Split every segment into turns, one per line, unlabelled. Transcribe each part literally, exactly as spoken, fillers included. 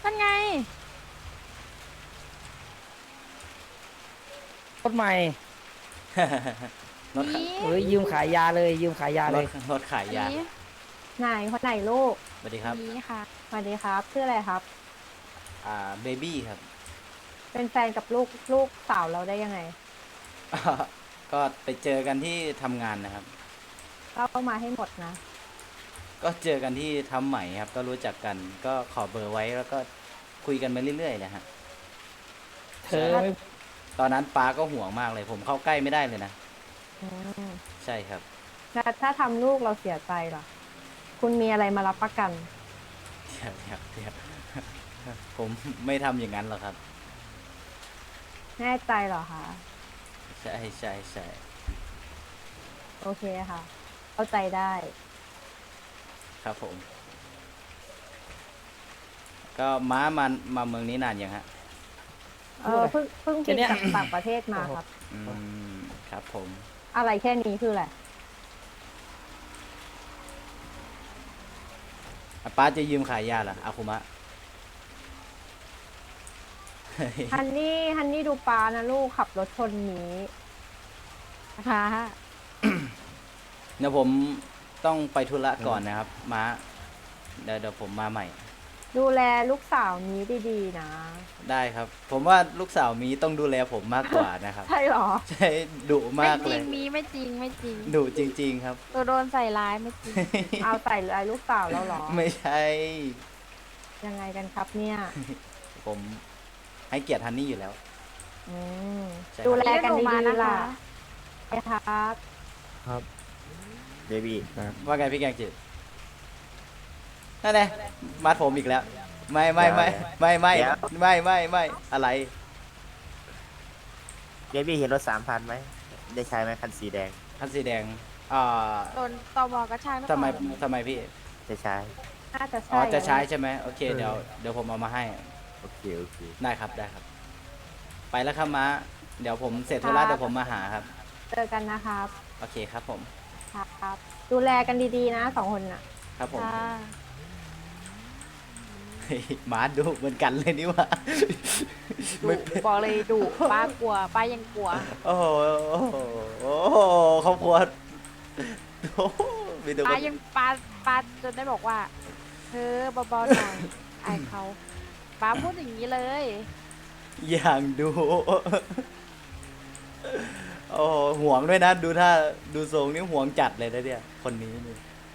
นั่นไง
รถใหม่
รถ
นี้
เอ้ยยืมขายยาเลยยืมขายยาร เล
ถ
ย
รถขายยา
นี้
ไหนคนไหนลูก
สวัสดีครับ
นี้ค่ะ
สวัสดีครับชื่ออะไรครับ
อ่าเบบี้ครับ
เป็นแฟนกับลูกลูกสาวเราได้ยังไง
ก็ไปเจอกันที่ทำงานนะครับ
เล่ามาให้หมดนะ
ก็เจอกันที่ทำใหม่ครับ ก็รู้จักกัน ก็ขอเบอร์ไว้แล้วก็คุยกันไปเรื่อยๆนะฮะ
เธอไม่
ตอนนั้นป้าก็ห่วงมากเลย ผมเข้าใกล้ไม่ได้เลยนะ
อืม
ใช่ครับ
แต่ถ้าทำลูกเราเสียใจล่ะ คุณมีอะไรมารับประกัน
เดี๋ยวเดี๋ยวเดี๋ยว ผมไม่ทำอย่างนั้นหรอกครับ
แน่ใจเหรอคะ
ใช่ใช่ใช่
โอเคค่ะ เข้าใจได้
ครับผม ก็ม้ามามาเมืองนี้นานยังฮะ
เออเพิ่งเพิ่งบินจากต่างประเทศมาครับ
อืมครับผม
อะไรแค่นี้คืออะไร
อ่ะป้าจะยืมขายยาเหรออาคุมะ
ฮันนี่ฮันนี่ดูปลานะลูกขับรถชนหนี
ค่ะ
เดี๋ยวผมต้องไปธุระก่อนนะครับ ม้าเดี๋ยวเดี๋ยวผมมาใหม่
ดูแลลูกสาวนี้ดีๆนะ
ได้ครับ ผมว่าลูกสาวมีต้องดูแลผมมากกว่านะครับ
ใช่เหรอ
ใช่ดุ
ไม่
มาก
จ
เล
ริ
ย
งมีไม่จริงไม่จริง
ดุจริง ๆ ครับ
ตัวโดนใส่ร้ายไม่จริง
เอาใส่ลายลูกสาวเราเหรอ
ไม่ใช่
ยังไงกันครับเนี่ย
ผมให้เกียรติฮันนี่อยู่แล้ว
อืม
ใช่ครับ
ดูแลกัน
เรียกหนู
ดี
มานะ
ๆล่ะ
คะ
นะครับ
ครับเบบี้ครับ
ว่าไงพี่แกงจืดนั่นแหละมัดผมอีกแล้ว ไม่ไม่ไม่ไม่ไม่ไม่ไม่ไม่อะไร
เบบี้เห็นรถสามพันไหม ได้ใช้ไหมคันสีแดง
คันสีแดงอ่า
โดนตมกระชากหรือเป
ทำไม
ล่า
ทำไมพี่
ได้ใช้
น่าจะ
อ๋อ
ใช่
จะใช้ใช่ไหมโอเคเดี๋ยวเดี๋ยวผมเอามาให้
โอเค โอเค
ได้ครับได้ครับ ไปแล้วครับม้าเดี๋ยวผมเสร็จธุระเดี๋ยวผมมาหาครับ
เจอกันนะครับ
โอเคครับผม
ครับ ดูแลกันดีๆนะสองคนน่ะ
ครับผม
ค่ะ
เฮ้ยม้าดุเหมือนกันเลยนี่หว่า
ดุบอกเลยดุป้ากลัวป้ายังกลัว
โอ้โหโอ้โหโอ้โหครอบครัวโอ้โหมีแต่ค
ป้าน ยังป้าป้าจนได้บอกว่าเธอเบาๆหน่อยอายเขาป้าพูดอย่างนี้เลย
อย่างดู โอ้โหห่วงด้วยนะ ดูถ้าดูทรงนี่ห่วงจัดเลยนะเนี่ยคนนี้นี่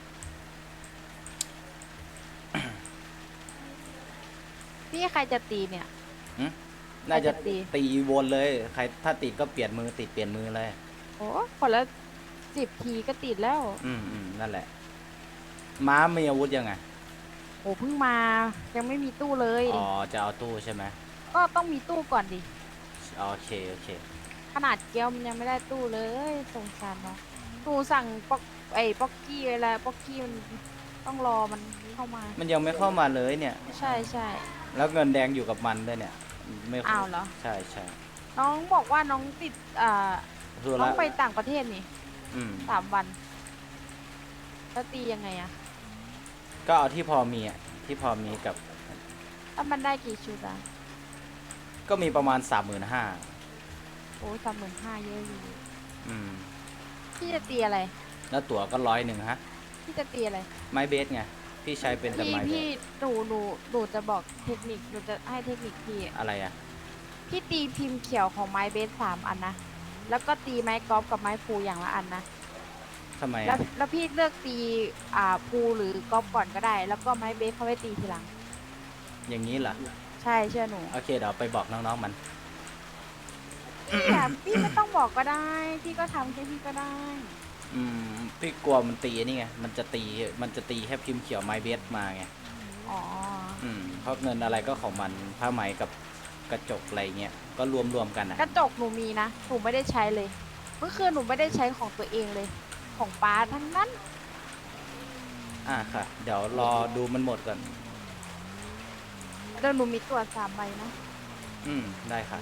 พี่ใครจะตีเนี่ย
น่าจะ
ใครจะตี
ตีวนเลย ใครถ้าติดก็เปลี่ยนมือติดเปลี่ยนมือเลย
โอ้คนละสิบทีก็ติดแล้ว
อืมอืมนั่นแหละ ม้ามีอาวุธยังไง
โอ้เพิ่งมายังไม่มีตู้เลย
อ๋อ จะเอาตู้ใช่ไหม
ก็ต้องมีตู้ก่อนดิ
โอเค โอเค
ขนาดเกลมันยังไม่ได้ตู้เลยสงสารเนาะหนูสั่งป๊อกไอ้ป๊อกกี้ไว้แล้วป๊อกกี้มันต้องรอมันเข้ามา
มันยังไม่เข้ามาเลยเนี่ย
ใช่ใช่
แล้วเงินแดงอยู่กับมันด้วยเนี่ย ไม่
อ้าวเหรอ
ใช่ใช่
น้องบอกว่าน้องติดอ่า
ธุ
น้อ
ระ
งไปต่างประเทศนี่
อืม
สามวันแล้วตียังไงอะ
ก็เอาที่พอมีอ่ะ ที่พอมีกับ
ถ้ามันได้กี่ชุดอะ
ก็มีประมาณสามหมื่นห้า
โอ้สามหมื่นห้าเยอะอยู่
อืม
พี่จะตีอะไร
แล้วตั๋วก็ร้อยหนึ่งฮะ
พี่จะตีอะไร
ไม้เบสไง พี่ใช้เป็นแต่
พี่
ไม้เบ
พี่
ส
หนูหนูหนูจะบอกเทคนิคหนูจะให้เทคนิคพี่
อะไรอ่ะ
พี่ตีพิมพ์เขียวของไม้เบสสามอันนะ แล้วก็ตีไม้กอล์ฟกับไม้พูอย่างละอันนะ
ทำไม
แล้ว
อ่ะ
แล้วพี่เลือกตีอ่าพูหรือกอล์ฟก่อนก็ได้ แล้วก็ไม้เบสเขาไปตีทีหลัง
อย่างนี้เหรอ
ใช่เชื่อหนู
โอเค เดี๋ยวไปบอกน้องๆมัน
พี่อยากพี่ไม่ต้องบอกก็ได้ พี่ก็ทำแค่พี่ก็ได้
อืม พี่กลัวมันตีนี่ไง มันจะตี มันจะตีแค่พิมพ์เขียวไม้เบสมาไง
อ๋อ
อืม เพราะเงินอะไรก็ของมัน ผ้าไหมกับกระจกอะไรเงี้ย ก็รวมๆกันอ่ะ
กระจกหนูมีนะ หนูไม่ได้ใช้เลย เมื่อคืนหนูไม่ได้ใช้ของตัวเองเลย ของป้าทั้งนั้น
อ่าค่ะ เดี๋ยวรอดูมันหมดก่อน
เดี๋ยวหนูมีตัวสามใบนะ
อืม ได้ค่ะ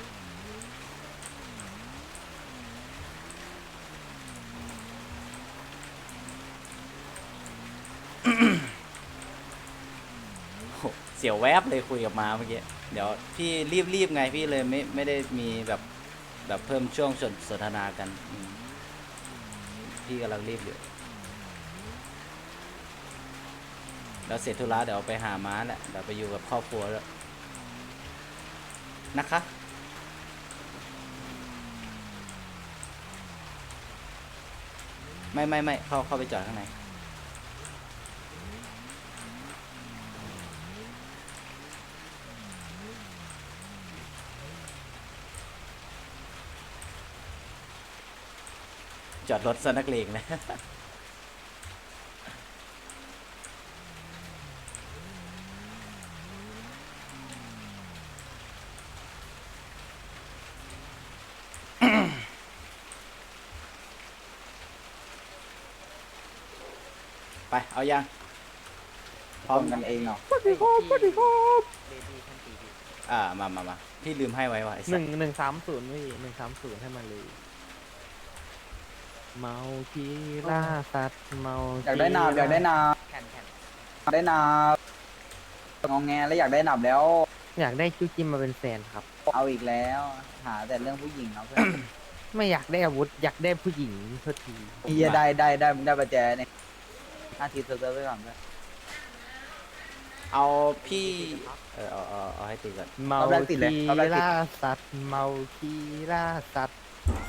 โอ้โหสียวแวบเลยคุยกับมาเมื่อกี้เดี๋ยวพี่รีบๆไงพี่เลยไม่ไม่ได้มีแบบแบบเพิ่มช่วงสนสนทนากันอืมพี่กำลังรีบอยู่แล้วเสร็จธุระเดี๋ยวไปหาม้าแหละเดี๋ยวไปอยู่กับครอบครัวแล้วนะคะไม่ไม่ไม่เข้าเข้าไปจอดข้างในจอดรถซะนักเลงเลย ไปเอายังพร้อมกันเองเนาะ
สวัสดีครับสวัสดีครับ
อ่ามามามาพี่ลืมให้ไว้ว่ะไอ้
ห
สั
นึ่
ส
งหนึ่งสามศูนย์พี่หนึ่งสามศูนย์ให้มันเลย เมาคีล่าสัตว์เมา
อยากได้นาบอยากได้นาบ
แข่นแข่น
อยากได้นาบงองแงแล้วอยากได้นาบแล้ว
อยากได้คิวจิมมาเป็นแฟนครับ
เอาอีกแล้ว หาแต่เรื่องผู้หญิงเนาะเพื่อน
ไม่อยากได้อาวุธ อยากได้ผู้หญิงเท่าที
เฮียได้ได้ได้มึงได้ประแจเนี่ยนาทีเซิร์ฟเวอร์ไว้ก่อนเพื่อน
เอาพี่เออเอาเอาเอาให้ตีก่อน
เมาคีล่าสัตว์เมาคีล่าสัตว์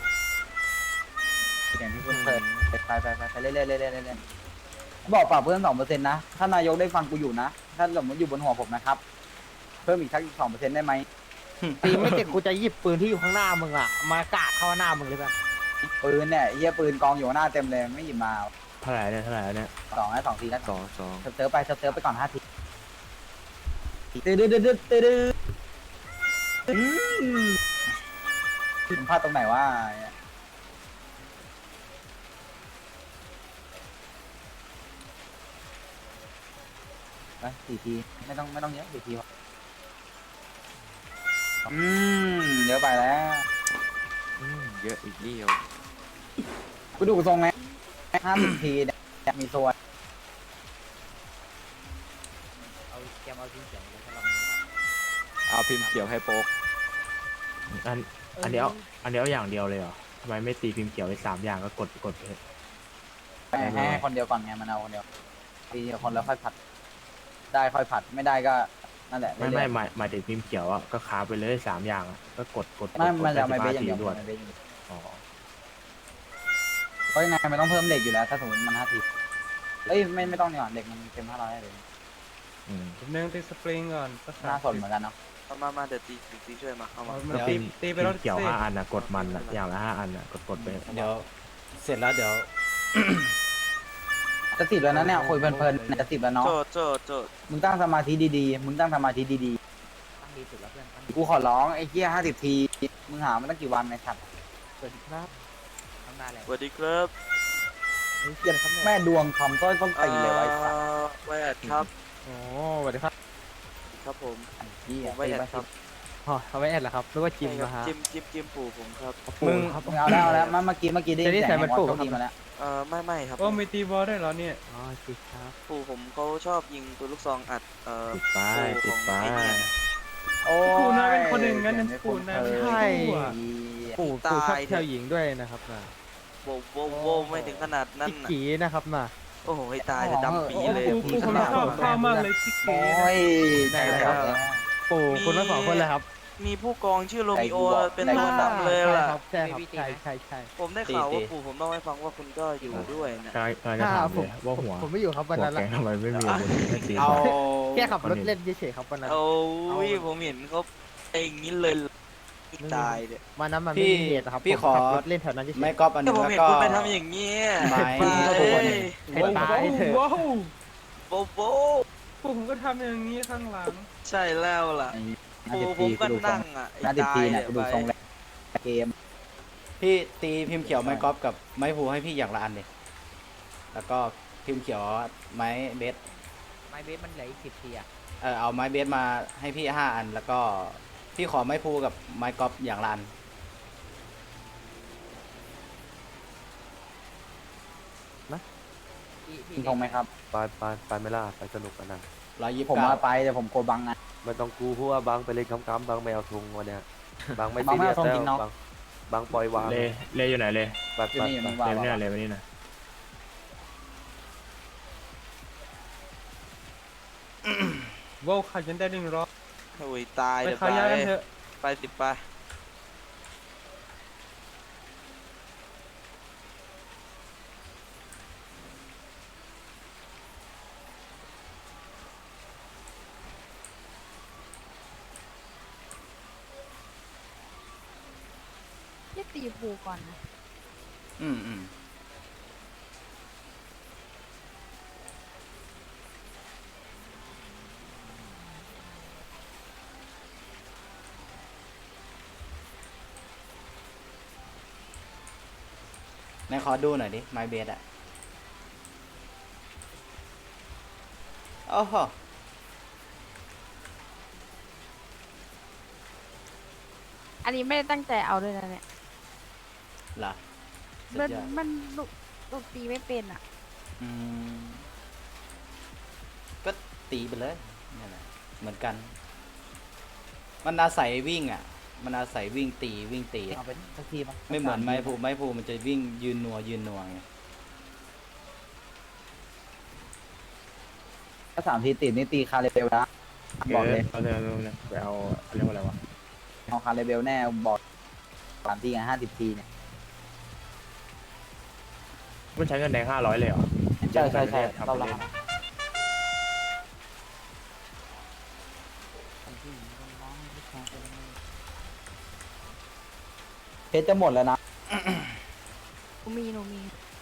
อย่างที่คุณเปิดไปไปไปไปเรื่อยๆเรื่อยๆเรื่อยๆเรื่อยๆบอกปรับเพิ่มสองเปอร์เซ็นต์นะถ้านายกได้ฟังกูอยู่นะถ้าสมมติอยู่บนหัวผมนะครับเพิ่มอีกสักสองเปอร์เซ็นต์ได้ไหม
ตีไม่เจ็บกูจะหยิบปืนที่อยู่ข้างหน้ามึงอ่ะ มากาดเข้าหน้ามึงเลยป่ะ
ปืนเนี่ยเฮียปืนกองอยู่หน้าเต็มเลยไม่หยิบมา
เท่าไหร่เนี่ยเท่าไหร่เนี่ย
สองนะสองทีแล้ว
สองสอง
เซิร์ฟไปเซิร์ฟไปก่อนห้าทีตื้อดื้อดื้อดื้อตื้อดื้ออืมผมพลาดตรงไหนวะไปสี่ทีไม่ต้องไม่ต้องเยอะสี่ทีพออืมเยอะไปแล้ว
เยอะอีกเดียว
กูดูทรงไงห้าสิบทีเนี่ยมีส่วน
เอาแกมเอาทิ้งเสียงเลยถ้าเรา
เอาพิมพ์เขียวให้โป๊ก
อันอันเดียวอันเดียวอย่างเดียวเลยเหรอทำไมไม่ตีพิมพ์เขียวไปสามอย่างก็กดกดไปเถอะ
ให้ให้คนเดียวก่อนไงมันเอาคนเดียวทีเดียวคนแล้วค่อยผัด ได้ค่อยผัดไม่ได้ก็นั่นแหละ
ไม่
เรื่
ไม่
อยๆ
หมายหมายถึงพิมพ์เขียวอ่ะก็ค้าไปเลยสามอย่างอะก็กดกดกด
ไม่
ก
มัน
ด
จะเอาไม่
ได้
เบส
สิ
อบ ย่างเดียว
ห้าทีรวด
ไม่เบสอย่างเดียว
อ๋อ
เพราะยังไงมันต้องเพิ่มเหล็กอยู่แล้ว ถ้าสมมติมันห้าทีเอ้ยไม่ไม่ต้องดีกว่าเหล็กมันเต็มห้าร้อยเลย
อืม
ผมนึงตีสปริงก่อนสัก
น่าสนเหมือนกันเนาะ
เอามา มาเดี๋ยวตีตีช่วยมาเอามา
เอามา
แล้ว
ตี
พิมพ์
ตีไป
พิม
รถ
พ์เขียว
สิ
ห้าอันนะกดมันละอย่างละห้าอันนะกดกดไป
เดี๋ยวเสร็จแล้วเดี๋ยว
จะติดแล้วนะเนี่ยคุยเพลินๆเนี่ยจะติดแล้วเนาะ
โจทย์โจทย์โจทย์
มึงตั้งสมาธิดีๆ มึงตั้งสมาธิดี
ตั้งดีสุดแล้วเพื่อนตั้งดี
ๆ กูขอร้องไอ้เหี้ยห้าสิบที มึงหามาตั้งกี่วันในสัตว์
สวัสดีครับทำได้แล้ว
สวัสดีครับ
ไอ้เหี้ยแม่ดวงทำต้อยต้นตีเลยไวะไอ้สัตว์
เอ่อไวแอดครับ
โอ้สวัสดีครับ
ครับผม
เหี้
ผ
ย
มไว
ตี
แอด
ไป
ครับ
อ๋อเขาไม่แอดเหรอครับหรือว่าจิม
ใช่
นะ
ครั
ฮะ
บจิมจิมจิมปู่ผมครับ
มึง
ครับ
มึงเอาแล้วเอาแล้วเมื่อกี้เมื่อกี้ได้ยิ
จะได้
น
ใส่
เสียง
มัน
ไอ้
ปลู
บ
ก
อส
ครับ
ทีมาแล้ว
เอ่อไม่ไม่ครับ
โอ้มีตีบอลได้วยเหรอเนี่ย
อ๋อจิครับ
ปู่ผมเขาชอบยิงปืนลูกซองอัดเอ่อ
ติดป้ายติดป้าย
โอ้ย
ปู่นายเป็นคนหนึ่งงั้นปู่นายเป็น
ใช่
ตู้อะ
ปู่ปู่ชอบเที่ยวหญิงด้วยนะครับนะ
โบโบโบไม่ถึงขนาดนั้น
จิก
น่ะ
จีนะครับนะ
โอ้โหให้ตายจะดำปี
โอ้
เลย
ปู่
พี่
ปู่ผมชอบข้าวมากเลยชิค
โอ้
เก้
ยได้แล้ว
ปู่คุณทั้งสองคนเลยครับ
มีผู้กองชื่อโรมิโอ
ไอ้กูบอก
เป็นตัวดำเลย
ใช่
ล่ะ
ครับใช่ครับใช่ใช่ใช่
ผมได้ข่าวว่าปู่ผมต้องให้ฟังว่าคุณก็อยู่ด้วยนะ
กำลังกำลังจะถามเลยว่าหัว
ผมไม่อยู่ครับวัน
หัว
นั้น
แก
ละ
งทำไมไม่มีอาวุธไม่ตี
เอา
ก่อน
แค่ขับรถเล่นเฉยๆครับวันนั้น
โอ้ยผมเห็นเขาเองนี้เลยตายเลย
วันนั้นมันไม่มีเหตุนะครับ
พี่
ผม
ขอ
ขับรถเล่นแถวนั้นเฉยๆ
ไม่ก๊อปอันห
แต่
นึง
ผม
แล้ว
เห็น
ก็
คุณไปทำอย่างเงี้ย
ไม้
เอ้ย
ให้ตายเถอะ
ว้าว
โบโบ
ปู่ผมก็ทำอย่างนี้ข้างหลัง
ใช่แล้วล่ะ
น่า
ปู่
จะ
ผ
ที
ม
กู
ก็
ดูทร
นั่
ง
งอ่ะไอ้
น่าจะ
ตา
ที
ย
เนี่ย
เนี่ย
กูดูทรงแล้วเกม
พี่ตีพิมพ์เขียวไม้กอล์ฟกับไม้ภูให้พี่อย่างละอันเลยแล้วก็พิมพ์เขียวไม้เบส
ไม้เบสมันเหลืออีกสิบทีอะ
เออเอาไม้เบสมาให้พี่ห้าอัน แล้วก็พี่ขอไม้ภูกับไม้กอล์ฟอย่างละอัน
นะ
กินทงไหมครับ
ไปไปไปไม่ล่าไปสนุกกันนะ
ร้อยยี่สิ
ผ
บ
ม
เก้า
มาไปแต่ผมโกบังไง
ไม่ต้องกูเพราะว่าบางไปเล่นค้ำๆบางไม่เอาทุงวันเนี้ยบางไม่
บาง
ซี
ไม่
เรีย
เอา
ส
ธง
แล้ว
จริงเนาะ
บางบางปล่อยวาง
เลเลอยู่ไหนเลย
ไป
อยู่
ไป
นี่อยู่
ไป
นี่ว่า
เล
ว่า
เนี่ย
ว่า
เลยวันนี้นะ
ว้าวขาดยันได้หนึ่งร้อย
โอ้ยตาย
ไป
เดี๋ยว
ขายยากันเถอะ
ไปสิไป
เรียกตีผูก่อนนะ
อืมอืมไหนขอดูหน่อยดิ ไมเบสอะโอ้โห
อันนี้ไม่ได้ตั้งใจเอาด้วยนะเนี่ย
เหรอสุ
มั
ด
น
ยอด
มันลูกลูกตีไม่เป็นอ่ะ
อืมก็ตีไปเลยนี่นแหละเหมือนกัน มันอาศัยวิ่งอ่ะ มันอาศัยวิ่งตีวิ่งตีอะ
เอาไปสักทีปะ
ไม่เหมือนไม้ภูไม้ภูมันจะวิ่งยืนนัวยืนนัวไง
ถ้าสามทีติดนี่ตีคาเรเบลนะ บอกเลย
เอาเลยเอาเลยเอาเลยไปเอาเรียกว่าอะไรวะ
เอาคาเรเบลแน่บอกสามทีไงห้าสิบทีเนี่ย
มันใช้เงินแดงห้าร้อยเลยเหรอ
ใช่ใช่ใช่
ทำ
เรา
ไป
ละ
เลย
เพชรจะหมดแล้วนะ
หนูมีหนูมี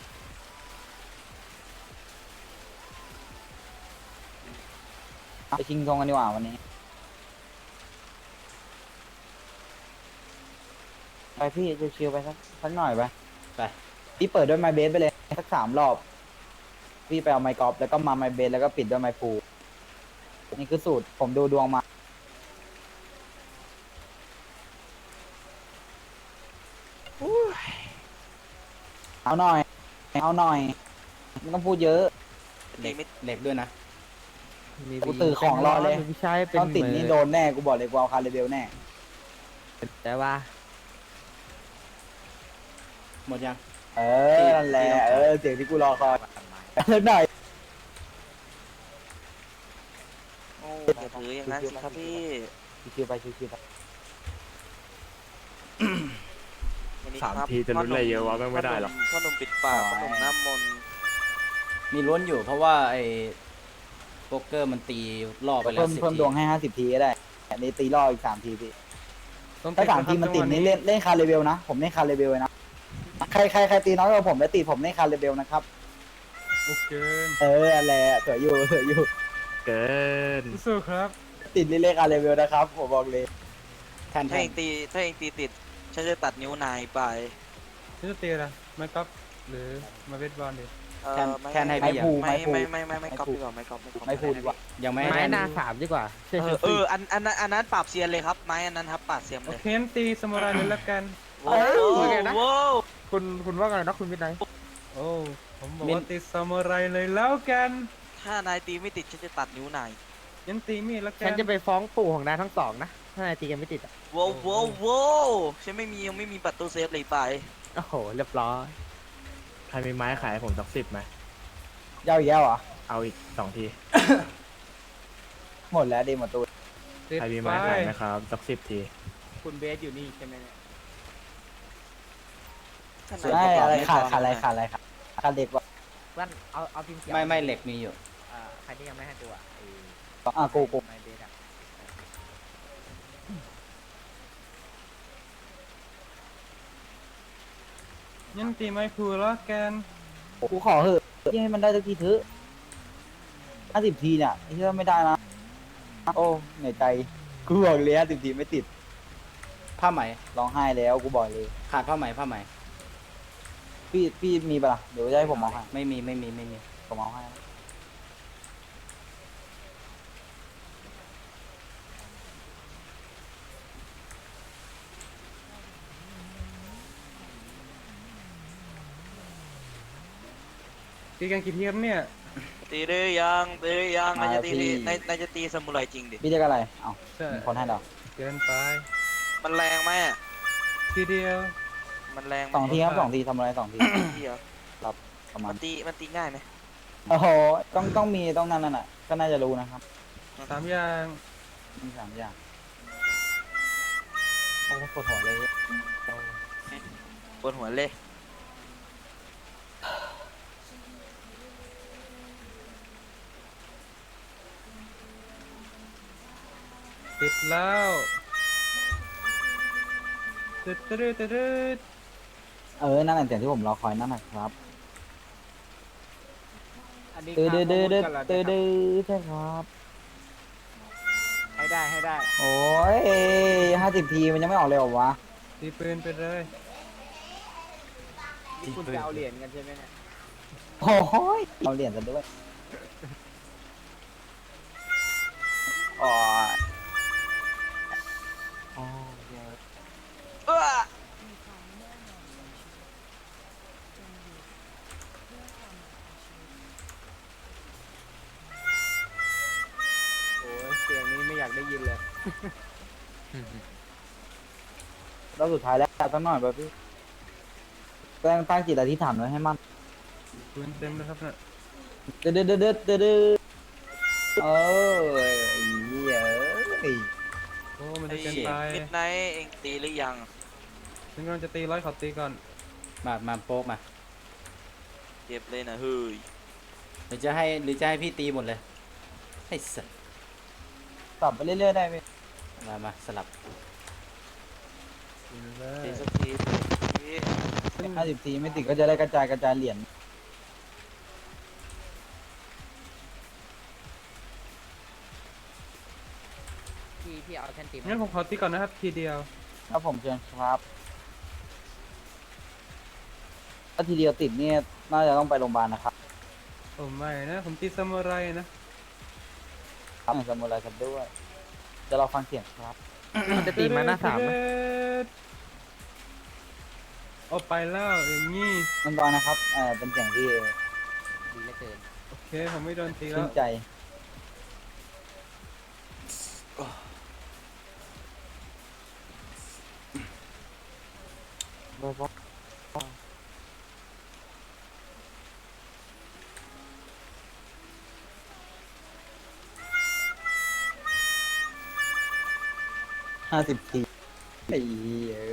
ไปชิงทงกันดีกว่าวันนี้ ไปพี่ชิวๆไปสักสักหน่อยไป
ไป
พี่เปิดด้วยไมเบสไปเลยสักสามรอบ พี่ไปเอาไมค์กอล์ฟแล้วก็มาไมเบสแล้วก็ปิดด้วยไมค์พูลนี่คือสูตรผมดูดวงมา เอาหน่อย เอาหน่อยไม่ต้องพูดเยอะ
เหล็กเหล็กด้วยนะ
กูตื่นของรอเลยต้องติดนี่โดนแน่ กูบอกเลยกูเอาคาร์เรเบลแน่
แต่ว่า
หมดยัง
เออ นั่นแหละ เออ เสียงที่กูรอคอยสักหน่อย
โอ้อย่าถืออย่างนั้นสิครับพี่
ชิวๆไปชิวๆไป
วันนี้
สาม
ครับ
ทีจะลุ้นอะไรเยอะวะแม่งไม่ได้หรอก
พ่อหนุ่มปิดปากพ่อหนุ่มน้ำมนต์
มีล้วนอยู่เพราะว่าไอ้โป๊กเกอร์มันตีล่อไปแล้
เพิ่
ว
ม
สิบ
เพิ่ม
ที
ดวงให้ห้าสิบทีก็ได้อันนี้ตีล่ออีกสามทีพี่ถ้าสามทีมันติดนี่เล่นเล่นคาร์เรเบลนะ ผมเล่นคาร์เรเบลเลยนะ ใครใครใครตีน้อยกว่าผมแล้วตีผมเล่นคาร์เรเบลนะครับ
โอเค
เอออะไรอะสวยอยู่สวยอยู่
เกิน
สู้ครับ
ติดเล่นคาร์เรเบลนะครับ ผมบอกเลย
แทนแท
ถ้าเอน งตีถ้าเองตีติดฉันจะตัดนิ้วนายไป
นี่จะตีอะไรไม่ก๊อปหรือมาเวทบอลดิ
เออ
แทน
ไม่
แทนให้
ไม้
พี่ยัง
พู
ไม่ไม่ไม่ไม่ไม่ก๊อปดีกว่าไม่ก๊อปไม่ก๊อป
ไม่พูดดีกว่า
ยังไม่ให้
ไม้
แทน
นาสามดีกว่าเชื่อ
เอ
เชื่
อ
อ
เอออันอันนั้นอันนั้นปราบเซียนเลยครับไม้อันนั้นครับปราบเซียน
โอ
เลย
เคงั้นตีสมุไรเลยละกัน
โอ้โห
ว่าไงนะ
โว้ว
คุณคุณว่าไงนะคุณวินัย
โอ้ผมบอกว่าตีสมุไรเลยแล้วกัน
ถ้านายตีไม่ติดฉันจะตัดนิ้วนาย
ยันตีมีดละกั
ฉัน
น
จะไปฟ้องปู่ของนายทั้งสองนะ ถ้านายตีกันไม่ติดอะ
โว้วโว้วโว้วฉันไม่มียังไม่มีประตูเซฟเลยไป
โอ้โห เรียบร้อย
ใครมีไม้ขายให้ผมสักสิบไหม
เย้าอีกแล้วเหรอ
เอาอีกสองที
หมดแล้วดีหมดตัว
ติด
ใครมี
ไป
ไม้ขายไหมครับสักสิบที
คุณเบสอยู่นี่ใช่ไหมเนี่ย
ถ้านาย
ใช่
ประกบ
อะไร
ม่
ขาด
พ
ขาดอะไรขาดอะไรขาดขาดเด็กว่ะ
วันเอาเอาพิมพ์เขียว
ไม่ไม่เหล็กมีอยู่
อ่าใครที่ยังไม่ให้ตัวไอ้
อ่ะกูกู
ไม้เบสอะ
ยันตีไม่พูละกัน
กูขอเหอะให้มันได้สักทีเถอะห้าสิบทีเนี่ยไอ้เชื่อไม่ได้นะ โอ้เหนื่อยใจ กูบอกเลยห้าสิบทีไม่ติด
ผ้าไหม
ร้องไห้แล้วกูบอกเลย
ขาดผ้าไหมผ้าไหม
พี่พี่มีปะล่ะ เดี๋ยวจะให้ผมเอาให้
ไม่มีไม่มีไม่มี
ผมเอาให้
ตีกันกี่ทีครับเนี่ย
ตีหรือยังตีหรือยังนายจะตี
มาพี่
นายนายจะตีซามูไรจริงดิ
พี่เรียกอะไรเอ้า
ใช่
มีคนให้เรา
เกินไป
มันแรงไหมอะ
ทีเดียว
มันแรงไหม
สองทีครับสองทีทำอะไรสองที
ทีเหรอ
ประมา
มั
ณ
นตีมันตีง่ายไหม
โอ้โหต้องต้องมีต้องนั่นน่ะก็น่าจะรู้นะครับ
สามอย่าง
มีสามอย่างโอ้ปวดหัวเลย
ปวดหัวเลย
ติดแล้วตึ๊ดตึ๊ดตึ๊ดตึ๊ด
เออนั่นแหละเสียงที่ผมรอคอยนั่นแหละครับ
อันนี้
ตื้อ
ค่า
ดื้อดื้อ
ข้อมูลกันเหรอ
ตื้อ
เนี่ย
ดื้อใช่ครับ
ให้ได้ให้ได้
โอ้ยห้าสิบทีมันยังไม่ออกเลยเหรอวะ
ตีปืนไปเลย
นี่คุณจะเอาเหรียญกันใช่ไหมเนี่ย
โอ้ยเอาเหรียญกันด้วยอ๋ออ๋อเดี๋ยว
เอ้อ
โอ้ยเสียงนี้ไม่อยากได้ยินเลย
รอบสุดท้ายแล้วสักหน่อยป่ะพี่ตั้งตั้งจิตอธิษฐานไว้ให้มั่น
ปืนเต็มแล้วครับเนี่ย
เดือดเดือดเดือดเดือดเดือดเออไอ้เหี้ยเอ้ย
โอ้มัน
ไอ้
จะเกินไป
มิดไนท์เองตีหรือยัง
ฉันกำลังจะตีร้อยขอตีก่อน
มามาโป๊กมา
เจ็บเลยนะเฮ้ย
หรือจะให้หรือจะให้พี่ตีหมดเลยให้สัตว์
ตอบไปเรื่อยๆได้ไหม
มามาสลับ
ตีเล
ตี
ย
สักทีตีสักที
ห้าสิบทีไม่ติดก็จะได้กระจายกระจายเหรียญ
พี่พี่เอาแท่นตี
งั้นผมขอตีก่อนนะครับทีเดียว
ครับผมเชิญครับถ้าทีเดียวติดเนี่ยน่าจะต้องไปโรงพยาบาลนะครับ
โอ้ไม่นะ ผมตีซามูไรนะ
ครับสมุไรกันด้วยจะเราฟังเสียงครับ
มันจะตีมาหน้าสามไหม
เอาไปแล้วอย่างนี้
มันตอนนะครับเออเป็นเสียงที่
ดีเหลือเกิน
โอเค ผมไม่โดนตีแล้
ชื่
วน
ใจห้าสิบทีไอ้เหี้ย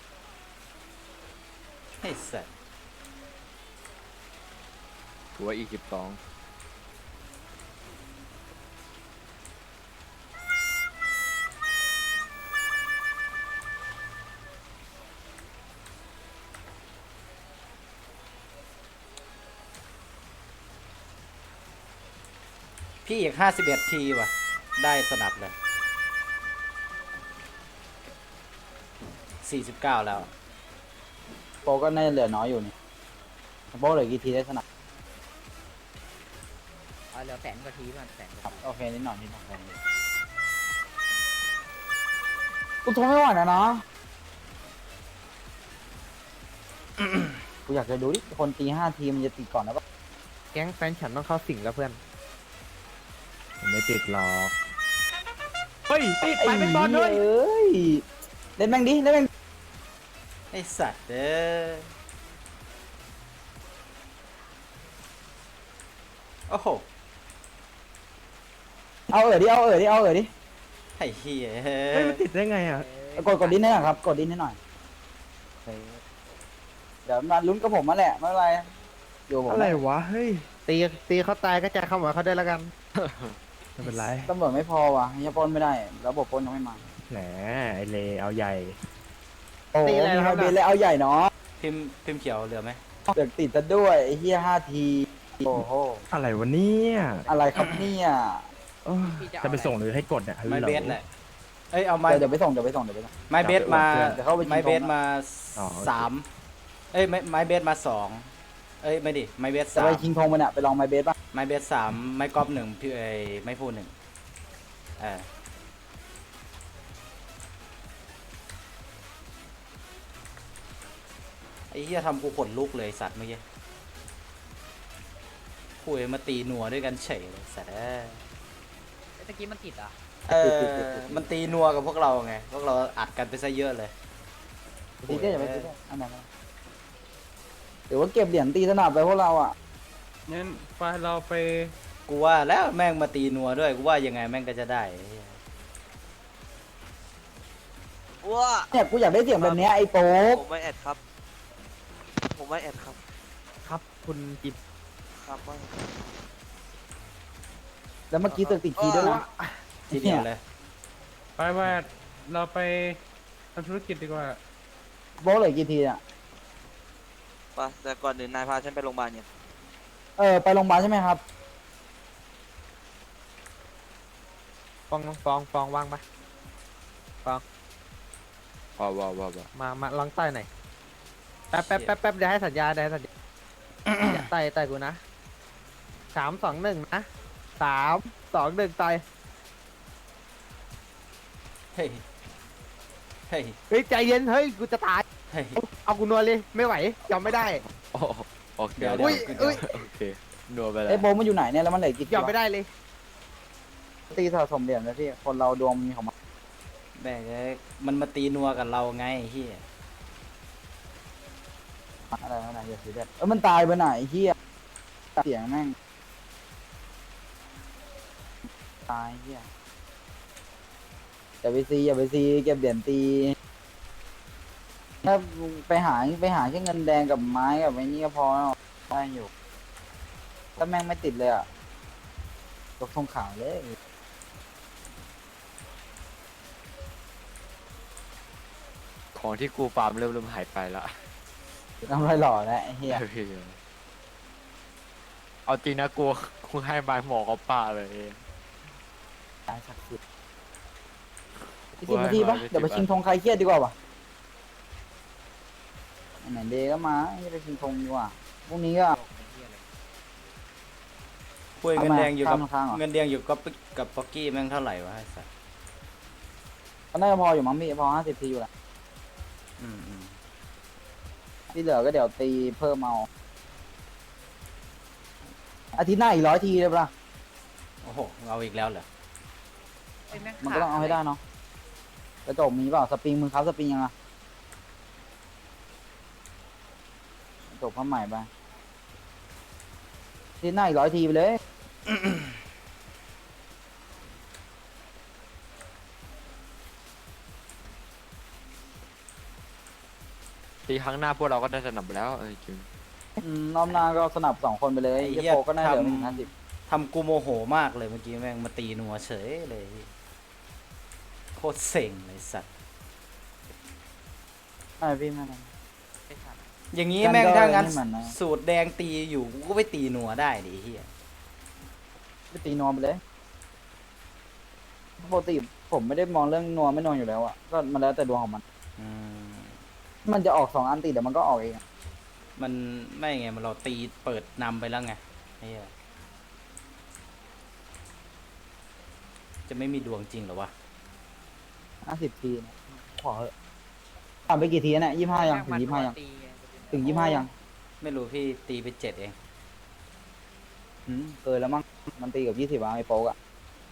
ให้สัตว์
หัวอีกสิบสอง
พี่อีกห้าสิบเอ็ดทีว่ะ ได้สนับเลยสี่สิบเก้าแล้ว
โปก็น่าจะเหลือน้อยอยู่นี่โปเหลือกี่ทีได้สนับ
เอาเหลือแสนกว่าทีมันแสนกว่า
ครับ
ที
โอเคนิดหน่อยนิดหน่อยกูทนไม่ไหวแล้วนะ กูอยากจะดูดิคนตีห้าทีมันจะตีก่อนนะปะ
แก๊งแฟนฉันต้องเข้าสิงแล้วเพื่อน
ผมไม่ติดหรอก เฮ้ย ติดไปเป็นบอลเลย
เอ้ยเล่นแม่งดิเล่นแม่ง
ไอสัตว์เด้อโอ้โห
เอาเอ๋อดิเอาเอ๋อดิเอาเอ๋อดิ
ไอ้เหี้ย
เฮ้ย มันติดได้ไงอ่ะ
กดกดดิ้นให้หน่อยครับกดดิ้นให้หน่อยโอเคเดี๋ยวมาลุ้นกับผมมาแหละไม่เป็นไรอยู่ผม
อะไรวะ เฮ้ย ตีตีเขาตายก็จะเข้ามาเขาได้วยแล้วกัน
ไม่เป็นไร
ตำรวจไม่พอว่ะยังปล้นไม่ได้ระบบปล้นยังไม่มา
แหม ไอเลเอาใหญ่
โอ้โห
ตีอะไร
มี
นะครับ
ไฮเบนเลยเอาใหญ่เนาะ
พิมพ์พิมพ์เขียวเหลือไหม
เดือกติดซะด้วยไอ้เฮียห้าทีโอ้โห
อะไรวะเนี่ย
อะไรครับเนี่ย
เอ้ยจะไปส่งหรือให้กดเนี่ย
ไม้
ฮัลโหล
เบสแหละ เอ้ยเอาไม้
เดี๋ยวเดี๋ยวไปส่งเดี๋ยวไปส่งเดี๋ยวไปส่ง
ไม้เบสมา
เดี๋ยวเข้าไปชิง
ไม้เบส
ธงนะ
มา
อ๋อโอเค
สามเอ้ยไม้ไม้เบสมาสองเอ้ยไม่ดิไม้เบส
จะ
สา
ไป
ม
ชิงธงมันอะไปลองไมเบสป่ะ
ไม้เบสสามไม้กอล์ฟหนึ่งพี่เอ้ยไม้พูหนึ่งเออไอ้เหี้ยทำกูขนลุกเลยสัตว์เมื่อกี้คุยมาตีนัวด้วยกันเฉยเลยสัตว์เอ้ย
ตะกี้มันติดอ่ะ
เออมันตีนัวกับพวกเราไงพวกเราอัดกันไปซะเยอะเลย
ตีได้อย่าไปตีได้อันไหนนหรือว่าเก็บเหรียญตีสนับไปพวกเราอ่ะ
งั้นไปเราไป
กูว่าแล้วแม่งมาตีนัวด้วยกูว่ายังไงแม่งก็จะได้ไอ้เหี้ย
ว้า
เนี่ยกูอยากได้เสียงแบบเนี้ยไอ้โป๊ก
ผมไม่แอดครับ ผมไม่แอดครับ
ครับคุณจิบ
ครับว่า
แล้วเมื่อกี้ตึกติดคีย์ด้วยนะ
ทีเดียวเลย
ไปว่าเราไปทำธุรกิจดีกว่า
โป๊กเหลือกี่ทีอ่ะ
ไปแต่ก่อนอื่นนายพาฉันไปโรงพยาบาลเนี่ย
เออไปโรงพยาบาลใช่ไหมครับ
ฟองฟองฟองว่างปะ
ว้าวว้าวว้าว
มามาลองต่อยหน่อยแป๊บแป๊บแป๊บแป๊บเดี๋ยวให้สัญญาเดี๋ยวให้สัญญา ต่อยต่อยกูนะสามสองหนึ่งนะสามสองหนึ่งต่อย
เฮ้ยเฮ้ย
เฮ้ยใจเย็นเฮ้ยกูจะตาย
เฮ้ย
เอากูนวลเลยไม่ไหวยอมไม่ได้
โอ้โอเค
เดี๋ยว
อุ้ยอุ้ย
โอเคนัวไปแล้ว
ไอ้โป๊กมันอยู่ไหนเนี่ยแล้วมันเหลือกี่ที
ยอมไม่
วะ
ได้เลย
ตีสะสมเหรียญเลยพี่คนเราดวงมีของมัน
แม่งเอ้ยมันมาตีนัวกับเราไงไอ้เฮีย
อะไรอะไรอย่าซีเรียสเออมันตายไปไหนไอ้เฮียเสียงแม่งตายเฮียอย่าไปซีอย่าไปซีเก็บเหรียญตีถ้าไปหาไปหาแค่เงินแดงกับไม้กับไอ้นี่ก็พอแล้วได้อยู่ถ้าแม่งไม่ติดเลยอ่ะยกธงขาวเลย
ของที่กูฟาร์มเริ่มเริ่มหายไปละ
น้ำลายหล่อแล้วไอ้เฮีย
เอาจริงนะกูกูให้บายหมอเขาป่าเลย
ตายศักดิ์สิทธิ์อีกสิบนาทีปะเดี๋ยวไปชิงธงใครเครียดดีกว่าวะไหนเดย์ก็มาไม่ไปชิงธงดีกว่าพรุ่งนี้ก็
คุยเงินแดงอยู่กับ
ข้ามข้างเหรอ
เงินแดงอยู่กับกับป๊อกกี้แม่งเท่าไหร่วะไอ้สัส
ก็น่าจะพออยู่มั้งพี่พอห้าสิบทีอยู่แหละ
อืมอืม
ที่เหลือก็เดี๋ยวตีเพิ่มเอาอาทิตย์หน้าอีกร้อยทีเลยปะล่ะ
โอ้โหเอาอีกแล้วเหรอ
มันก็ต้องเอาให้ได้เนาะกระจกมีเปล่าสปริงมึงครับสปริงยังอะกระจกผ้าใหม่ไปอาทิตย์หน้าอีกร้อยทีไปเลย
ตีครั้งหน้าพวกเราก็ได้สนับแล้วเออจริง
อืมรอบหน้าก็สนับสองคนไปเลยเฮียโปก็น่าเหลือหนึ่งห้าสิบ
ทำกูโมโหมากเลยเมื่อกี้แม่งมาตีนัวเฉยเลยโคตรเซ็งเลยสัตว์
ไม่พี่ไม่ไม่
อย่างนี้
กัน
แม่ง
ก็
ถ้างั้น
นี่มันนะ
สูตรแดงตีอยู่กูก็ไปตีนัวได้ดิไอ้เฮีย
ไปตีนวมไปเลยปกติผมไม่ได้มองเรื่องนวมไม่นวมอยู่แล้วอะก็มันแล้วแต่ดวงของมัน
อืม
มันจะออกสองอันติดเดี๋ยวมันก็ออกเองอะ
มันไม่ไงมันเราตีเปิดนำไปแล้วไงไอ้เฮียจะไม่มีดวงจริงเหรอวะ
ห้าสิบทีนะขอเถอะผ่านไปกี่ทีแล้วเนี่ยยี่ห้ายังถึงยี่ห้ายังถึงยี่ห้ายัง
ไม่รู้พี่ตีไปเจ็ดเอง
อืมเกินแล้วมั้งมันตีกับยี่สิบอะไอ้โป๊กอะ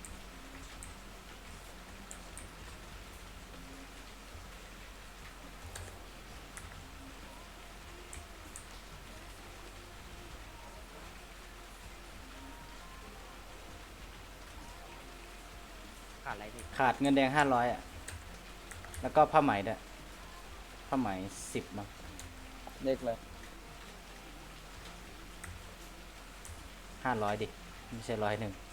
ขาดอะไรดิ
ขาดเงินแดงห้าร้อยอ่ะ แล้วก็ผ้าไหมด้วยผ้าไหมสิบมั้ง
เลขเลย
ห้าร้อยดิ ไม่ใช่ร้อยหนึ่ง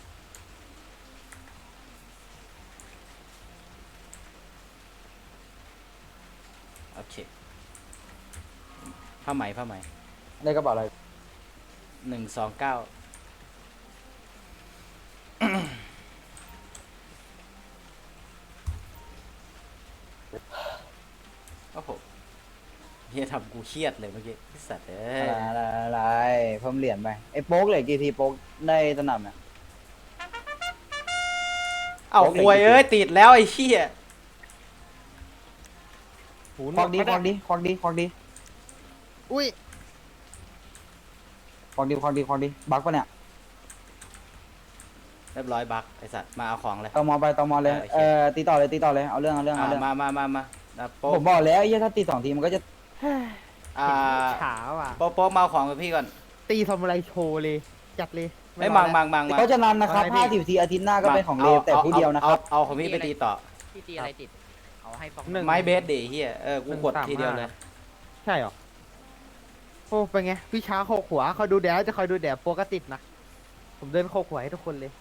โอเคผ้าไหมผ้าไหม
เลขกระเป๋าอะไร
หนึ่งสองเก้าโอ้โหเฮียทำกูเครียดเลยเมื่อกี้ไอ้สัตว์เอ้
อะ
ย
ไรอะไรอะไรเพิ่มเหรียญไปไอ้โป๊กเหลยกี่ทีโป๊กได้สนับเนี่ย
เอ้าควยเอ้ย ติดแล้วไอ้เหี้ย
หูหน
คว วั
ก
กดี
ไม่
ค
ได้
วักดีควักดีควักดี
อุ้ย
ควักดีควักดีควักดีบักปะเนี่ย
เรียบร้อยบักไอสัตว์มาเอาของเลย
ตมไปตมเลย
โอเค
เออตีต่อเลยตีต่อเลยเอาเรื่องเอาเรื่อง
อ่า
เอาเรื่อง
มามามามาอ่ะโป๊ะ
ผมบอกแล้วไอ้เหี้ยถ้าตีสองทีมันก็จะ
อ่า
ขาวอ่ะ
โป๊ะโป๊ะมาเอาของกับพี่ก่อน
ตีทำอะไรโชว์เลย จัดเลย
ไอ้ย
ร
มั
อง แล้ว
มังมังมัง
เขาจะนันนะครับ
ว่าไงพี่
ห้าสิบทีอาทิตย์หน้าก็เป็นของเลวแต่ผู้เดียวนะครับ
เอาเอาของพี่ไปตีต่อ
พี่ตีอะไรติด เอาให้ฟอง
หนึ่ง
ไม้เบสดิเฮียเออกูกด
หนึ่งสาม
ทีเดียว
ห้า
เลย
ใช่เหรอ โอ้เป็นไงพี่ช้าโคกหัวคอยดูแดดจะคอยดูแดดโปรก็ติดนะ ผมเดินโคกหัวให้ทุกคนเลย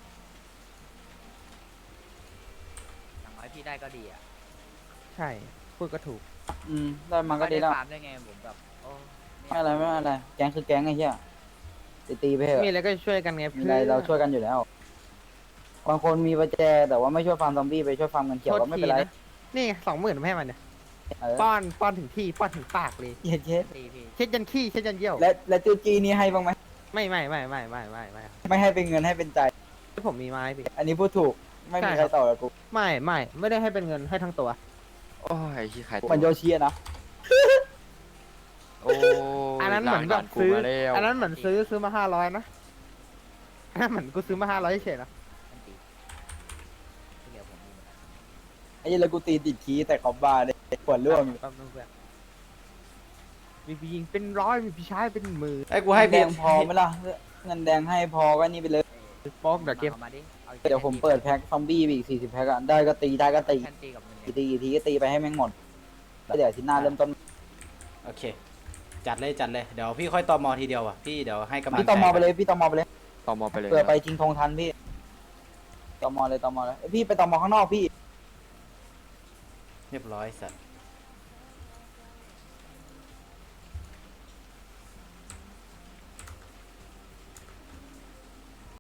อย่างน้อยพี่ได้ก็ดีอ่ะ
ใช่ พูดก็ถูก
อืมได้มันก็ดีแล้ว
ฟาร์มได้ไงผมแบบโอ้
ไม่อะไรไม่อะไรแก๊งคือแก๊งไอ้เหี้ยตีตีไปเถ
มี
อะ
อะไรก็ช่วยกันไง
มี
เพื่
อะไรเราช่วยกันอยู่แล้วบางคนมีประแจแต่ว่าไม่ช่วยฟาร์มซอมบี้ไปช่วยฟาร์มเงินเขียวก็ไม่เป็นไร
นี่สองหมื่นไม่ให้มันเนี่ย
เออ
ป้อน ป้อนถึงที่ ป้อนถึงปากเลย
เย็ดเย็ด
ตีพี่
เช็ดยันขี้ เช็ดยันเยี่ยว
และและจูจีนี่ให้บ้างไหม
ไม่ไม่ไม่ไม่ไม่ไม่ไม่
ไม่ให้เป็นเงินให้เป็นใจ
ผมมีไม้พี่
อันนี้พูดถูกไม่มี
ใช่
ใค
ค
ร
รับ
ต่อกับกู
ไม่ไม่ไม่ได้ให้เป็นเงินให้ทั้งตัว
โอ้ยขี้ขาย
เหมือนโยชิอะนะ
โอ้
อันนั้นเหมือนแบบซื้อ อันนั้นเหมือนซื้อซื้อมาห้าร้อยนะอันนั้นเหมือนกูซื้อมาห้าร้อยเฉยๆนะ
มันตีที่เหลือผมมีหมดแล้ว
ไอ้เหี้ยแล้วกูตีติดคีย์แต่คอมบ้าเลยปวดร่วงอยู่
แป๊บนึงเพื่อนมีพี่ยิงเป็นร้อยมีพี่ชายเป็นหมื่น
ไอ้กูให้
แด
พี่
งพอไหมล่ะเงินแดงให้พอก็นี่ไปเลย
ป๊อกเดี๋ยวเก็บ
อามาดิอา
เดี๋ยวผมเปิดแพ็คซอมบี้ไปอีกสี่สิบแพ็คอะได้ก็ตีได้ก็ตี
แค่ตีกับมัน
กี่ตีกี่ทีก็ตีไปให้แม่งหมดแล้วเดี๋ยวอาทีหน้าเริ่มต้น
โอเค จัดเลยจัดเลยเดี๋ยวพี่ค่อยตอมอทีเดียวอ่ะพี่เดี๋ยวให้กำลัง
พี่ตอมอไปเลยพี่ตอมอไปเลย
ต่อมอไปเลย
เผื่อไปชิงธงทันพี่ตอมอเลยตอมอเลยเอ้ยพี่ไปตอมอข้างนอกพี่
เรียบร้อยสัตว์